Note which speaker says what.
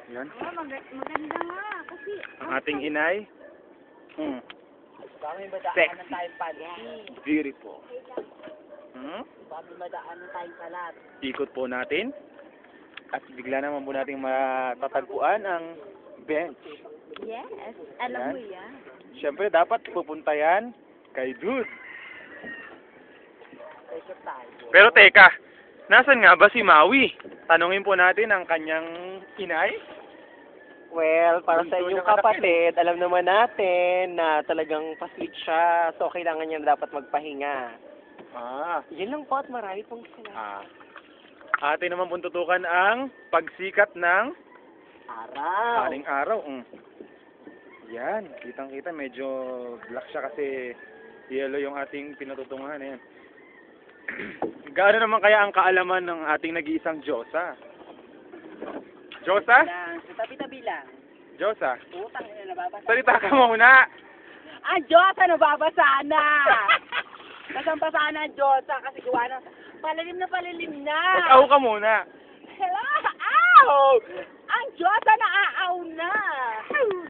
Speaker 1: Yan.
Speaker 2: Oh, maganda nga. Kasi,
Speaker 1: Ang ating inay.
Speaker 3: Baka may madaanan
Speaker 1: Sexy.
Speaker 3: tayong panty.
Speaker 1: Beautiful.
Speaker 3: Baka may madaanan tayong kalat.
Speaker 1: Ikot po natin. At bigla naman po natin matatagpuan ang bench.
Speaker 2: yes, alam mo yan.
Speaker 1: Siyempre, dapat pupunta yan kay Dude.
Speaker 3: Pressure tayo.
Speaker 1: Pero teka, nasan nga ba si Maui? Tanungin po natin ang kanyang inay.
Speaker 3: Well, para sa
Speaker 1: Bunso
Speaker 3: inyong
Speaker 1: niyang anak
Speaker 3: kapatid, alam naman natin na talagang paslit siya. So, kailangan niya dapat magpahinga.
Speaker 1: Ah,
Speaker 3: Yun lang po at marami pong sila.
Speaker 1: atin naman pong tutukan ang pagsikat ng
Speaker 3: Araw.
Speaker 1: aling araw. Yan, kitang-kita medyo black siya kasi yellow yung ating pinatutungan. Ayan. Gaano naman kaya ang kaalaman ng ating nag-iisang Diyosa? Diyosa?
Speaker 3: Lang, sa tabi-tabi lang.
Speaker 1: Diyosa?
Speaker 3: Utang na nababasa.
Speaker 1: Salita ka muna!
Speaker 3: Ang Diyos, ano babasa na? Kasampasa na ang Diyos, kasi gawa na palalim na.
Speaker 1: Mag-aw ka muna!
Speaker 3: Hello? Ow! Ang Diyos, na aaw na.